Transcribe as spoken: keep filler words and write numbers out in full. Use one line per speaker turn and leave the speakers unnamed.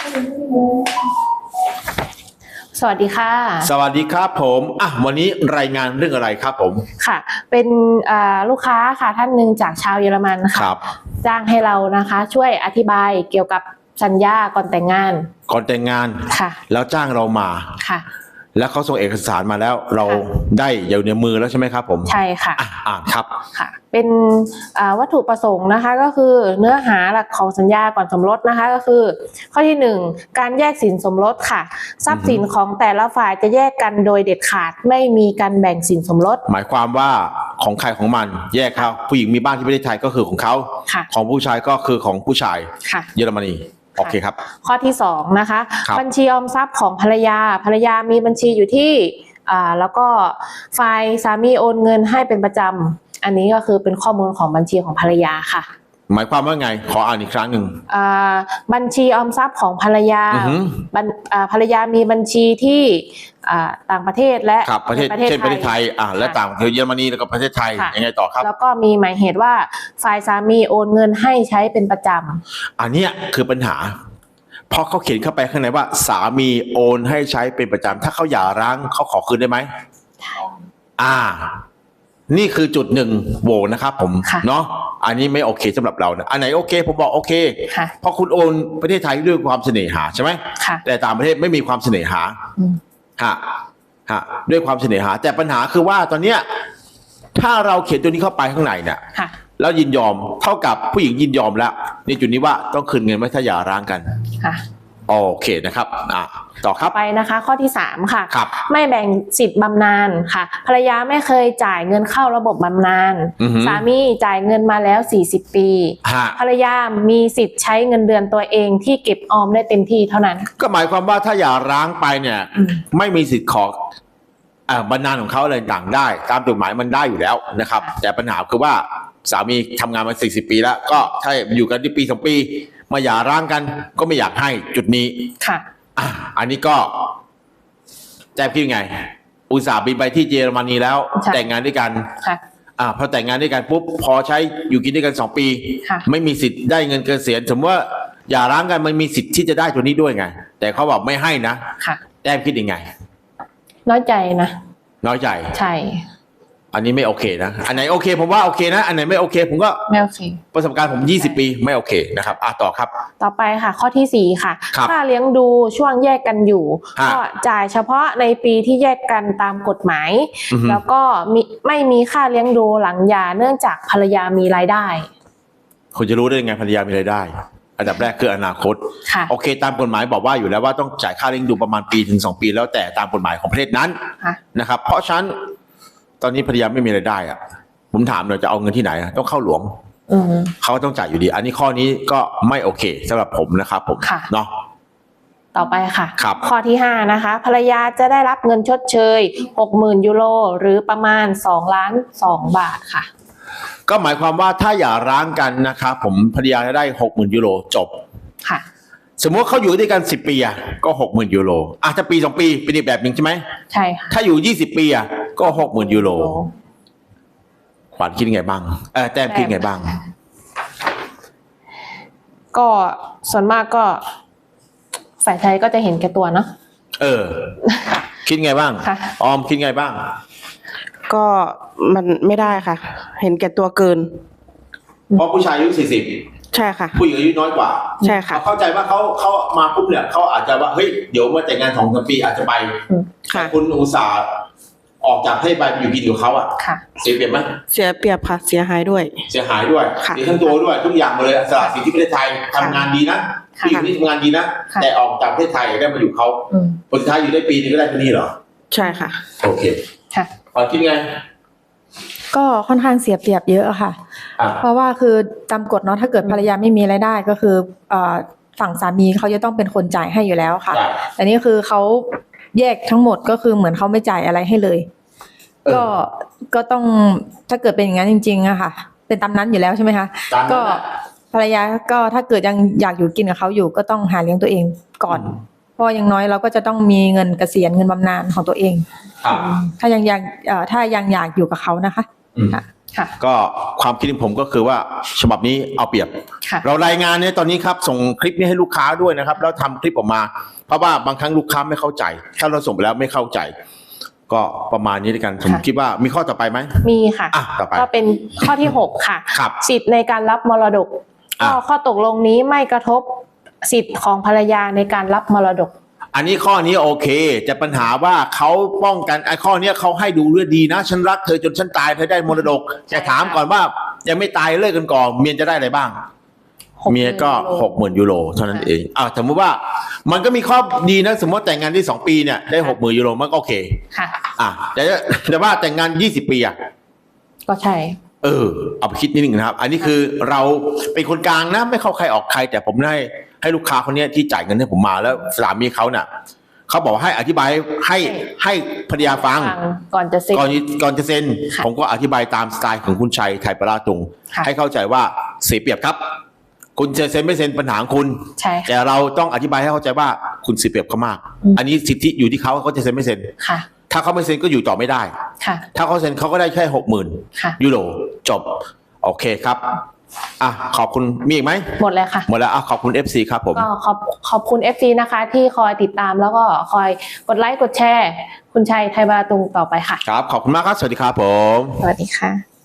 สวัสดีค่ะ
สวัสดีครับผมอ่ะวันนี้รายงานเรื่องอะไรครับผม
ค่ะเป็นลูกค้าค่ะท่านหนึ่งจากชาวเยอรมันค่ะจ้างให้เรานะคะช่วยอธิบายเกี่ยวกับสัญญาก่อนแต่งงาน
ก่อนแต่งงาน
ค่ะ
แล้วจ้างเรามา
ค่ะ
แล้วเขาส่งเอกสารมาแล้วเราได้อยู่ในมือแล้วใช่ไหมครับผม
ใช่ค่ะ
อ่านครับ
ค่ะเป็นวัตถุประสงค์นะคะก็คือเนื้อหาหลักของสัญญาก่อนสมรสนะคะก็คือข้อที่หนึ่งการแยกสินสมรสค่ะทรัพย์สินของแต่ละฝ่ายจะแยกกันโดยเด็ดขาดไม่มีการแบ่งสินสมรส
หมายความว่าของใครของมันแยกครับผู้หญิงมีบ้านที่ประเทศไทยก็คือของเขาของผู้ชายก็คือของผู้ชายเยอรมนีโอเคครับ
ข้อที่สองนะคะบัญชีออมทรัพย์ของภรรยาภรรยามีบัญชีอยู่ที่อ่าแล้วก็ฝ่ายสามีโอนเงินให้เป็นประจำอันนี้ก็คือเป็นข้อมูลของบัญชีของภรรยาค่ะ
หมายความว่าไงขออ่านอีกครั้งหนึ่ง
บัญชีออมทรัพย์ของภรรยาภรรยามีบัญชีที่ต่างประเทศและ
ประเทศเช่นประเทศไทยอ่าและต่างประเทศเยอรมนีแล้วก็ประเทศไทยยังไงต่อครับ
แล้วก็มีหมายเหตุว่าฝ่ายสามีโอนเงินให้ใช้เป็นประจ
ำอันนี้คือปัญหาเพราะเขาเขียนเข้าไปข้างในว่าสามีโอนให้ใช้เป็นประจำถ้าเขาหย่าร้างเขาขอคืนได้ไหมอ่านี่คือจุดหนึ่งโหวนะครับผมเนาะอันนี้ไม่โอเคสำหรับเรานะอันไหนโอเคผมบอกโอเคเพราะคุณโอนประเทศไทยด้วยความเสน่หาใช่ไหมแต่ต่างประเทศไม่มีความเสน่หาฮะฮะด้วยความเสน่หาแต่ปัญหาคือว่าตอนเนี้ยถ้าเราเขียนตัวนี้เข้าไปข้างในเนี่ยแล้วยินยอมเท่ากับผู้หญิงยินยอมแล้วในจุดนี้ว่าต้องคืนเงินไม่ถ้าหย่าร้างกันค่ะโอเคนะครับอ่ะต่อครับ
ไปนะคะข้อที่สามค่ะไม่แบ่งสิทธิ์บำนาญค่ะภรรยาไม่เคยจ่ายเงินเข้าระบบบำนาญสามีจ่ายเงินมาแล้วสี่สิบปีภรรยามีสิทธิ์ใช้เงินเดือนตัวเองที่เก็บออมได้เต็มที่เท่านั้น
ก็หมายความว่าถ้าหย่าร้างไปเนี่ยไม่มีสิทธิ์ขอบำนาญของเขาอะไรต่างได้ตามกฎหมายมันได้อยู่แล้วนะครับแต่ปัญหาคือว่าสามีทำงานมาสี่สิบปีแล้วก็ถ้าอยู่กันที่ปีสองปีมาหย่าร้างกันก็ไม่อยากให้จุดนี้ค่ะอ่ะอันนี้ก็แจ้งพี่ไงอุตส่าห์บินไปที่เยอรมนีแล้วแต่งงานด้วยกันค่ะอ่าพอแต่งงานด้วยกันปุ๊บพอใช้อยู่กินด้วยกันสองปีไม่มีสิทธิ์ได้เงินเกษียณสมมติว่าหย่าร้างกันมันมีสิทธิ์ที่จะได้ตัวนี้ด้วยไงแต่เขาบอกไม่ให้นะค่ะแจ้งคิดยังไง
น้อยใจนะ
น้อยใจ
ใช่
อันนี้ไม่โอเคนะอันไหนโอเคผมว่าโอเคนะอันไหนไม่โอเคผมก็
ไม่โอเค
ประสบการณ์ผมยี่สิบปีไม่โอเคนะครับอ่ะต่อครับ
ต่อไปค่ะข้อที่สี่ค่ะค่าเลี้ยงดูช่วงแยกกันอยู่ก็จ่ายเฉพาะในปีที่แยกกันตามกฎหมายแล้วก็มีไม่มีค่าเลี้ยงดูหลังหย่าเนื่องจากภรรยามีรายได้
คุณจะรู้ได้ยังไงภรรยามีรายได้อันดับแรกคืออนาคตโอเคตามกฎหมายบอกว่าอยู่แล้วว่าต้องจ่ายค่าเลี้ยงดูประมาณปีถึงสองปีแล้วแต่ตามกฎหมายของประเทศนั้นนะครับเพราะฉะนั้นตอนนี้ภรรยาไม่มีรายได้อ่ะผมถามหน่อยจะเอาเงินที่ไหนต้องเข้าหลวงเขาต้องจ่ายอยู่ดีอันนี้ข้อนี้ก็ไม่โอเคสำหรับผมนะครับผมเนาะ
ต่อไปค่ะข้อที่ห้านะคะภรรยาจะได้รับเงินชดเชยหกหมื่นยูโรหรือประมาณสองล้านสองบาทค่ะ
ก็หมายความว่าถ้าอย่าร้างกันนะครับผมภรรยาจะได้หกหมื่นยูโรจบค่ะสมมติเขาอยู่ด้วยกันสิบปีอ่ะก็หกหมื่นยูโรอ่ะถ้าปีสองปีเป็นอีกแบบหนึ่งใช่ไหม
ใช่ค่ะ
ถ้าอยู่ยี่สิบปีอ่ะก็หกหมื่นยูโรขวัญคิดไงบ้างเออแต้มคิดไงบ้าง
ก็ส่วนมากก็ฝ่ายชายก็จะเห็นแก่ตัวเนาะ
เออคิดไงบ้างออมคิดไงบ้าง
ก็มันไม่ได้ค่ะเห็นแก่ตัวเกิน
เพราะผู้ชายอายุสี่สิบ
ใช่ค่ะ
ผู้หญิงอายุน้อยกว่า
ใช่ค่ะ
เข้าใจว่าเขาเขามาปุ๊บเนี่ยเขาอาจจะว่าเฮ้ยเดี๋ยวมาแต่งงานสองสามปีอาจจะไป
ค่ะ
คุณอุตส่าห์ออกจากให้ไปอยู่กินกับเขาอ่ะเสียเปรียบไหม
เสียเปรียบค่ะเสียหายด้วย
เสียหายด้วยเสียทั้งตัวด้วยทุกอย่างมาเลยสละสิทธิประเทศไทยทำงานดีนะผู้หญิงนี่ทำงานดีนะแต่ออกจากประเทศไทยได้มาอยู่เขาผลสุดท้ายอยู่ได้ปีนึงก็ได้ที่นี่เหรอ
ใช่ค่ะ
โอเคค่ะขอคิดไง
ก็ค่อนข้างเสียเปรียบเยอะค่ะเพราะว่าคือตามกฎเนาะถ้าเกิดภรรยาไม่มีรายได้ก็คือฝั่งสามีเขาจะต้องเป็นคนจ่ายให้อยู่แล้วค่ะแต่นี่คือเขาแยกทั้งหมดก็คือเหมือนเขาไม่จ่ายอะไรให้เลยก็ก็ต้องถ้าเกิดเป็นอย่างนั้นจริงๆอะค่ะเป็นตามนั้นอยู่แล้วใช่ไหมคะก็ภรรยาก็ถ้าเกิดยังอยากอยู่กินกับเขาอยู่ก็ต้องหาเลี้ยงตัวเองก่อนเพราะอย่างน้อยเราก็จะต้องมีเงินเกษียณเงินบำนาญของตัวเองถ้ายังอยากถ้ายังอยากอยู่กับเขานะคะ
ค่ะก็ความคิดของผมก็คือว่าฉบับนี้เอาเปรียบเรารายงานเนี่ยตอนนี้ครับส่งคลิปนี้ให้ลูกค้าด้วยนะครับแล้วทำคลิปออกมาเพราะว่าบางครั้งลูกค้าไม่เข้าใจถ้าเราส่งไปแล้วไม่เข้าใจก็ประมาณนี้ด้วยกันผมคิดว่ามีข้อต่อไปไหม
มีค่ะก็เป็นข้อที่หกค่ะสิทธิ์ในการรับมรดกก็ข้อตกลงนี้ไม่กระทบสิทธิ์ของภรรยาในการรับมรดก
อันนี้ข้อนี้โอเคแต่ปัญหาว่าเขาป้องกันไอ้ข้อนี้เขาให้ดูเรื่องดีนะฉันรักเธอจนฉันตายเธอได้มรดกแต่ถามก่อนว่ายังไม่ตายเลิกกันก่อนเมียจะได้อะไรบ้างเมียก็หกหมื่นยูโรเท่านั้นเองอ่าสมมติว่ามันก็มีข้อดีนะสมมติแต่งงานที่สองปีเนี่ยได้หกหมื่นยูโรมันก็โอเคค่ะอ่าแต่แต่ว่าแต่งงานยี่สิบปีอ่ะ
ก็ใช่
เออเอาไปคิดนิดนึงนะครับอันนี้คือเราเป็นคนกลางนะไม่เข้าใครออกใครแต่ผมได้ให้ลูกค้าคนนี้ที่จ่ายเงินให้ผมมาแล้วสามีเขาเนี่ยเขาบอกให้อธิบายให้ให้ภรรยาฟัง
ก่อนจะเซ็น
ก่อนก่อนจะเซ็นผมก็อธิบายตามสไตล์ของคุณชัยไทยปราตุงให้เข้าใจว่าเสียเปรียบครับคุณจะเซ็นไม่เซ็นปัญหาของคุณแต่เราต้องอธิบายให้เข้าใจว่าคุณเสียเปรียบเขามากอันนี้สิทธิอยู่ที่เขาเขาจะเซ็นไม่เซ็นถ้าเขาไม่เซ็นก็อยู่ต่อไม่ได้ถ้าเขาเซ็นเขาก็ได้แค่หกหมื่นยูโรจบโอเคครับอ่ะขอบคุณมีอีกไหม
หมดแล้วค่ะ
หมดแล้วอ่ะขอบคุณ เอฟ ซี ครับผม
ก็ขอบขอบคุณ เอฟ ซี นะคะที่คอยติดตามแล้วก็คอยกดไลค์กดแชร์คุณชัยไทยบาตุงต่อไปค่ะ
ครับขอบคุณมากครับสวัสดีครับผม
สวัสดีค่ะ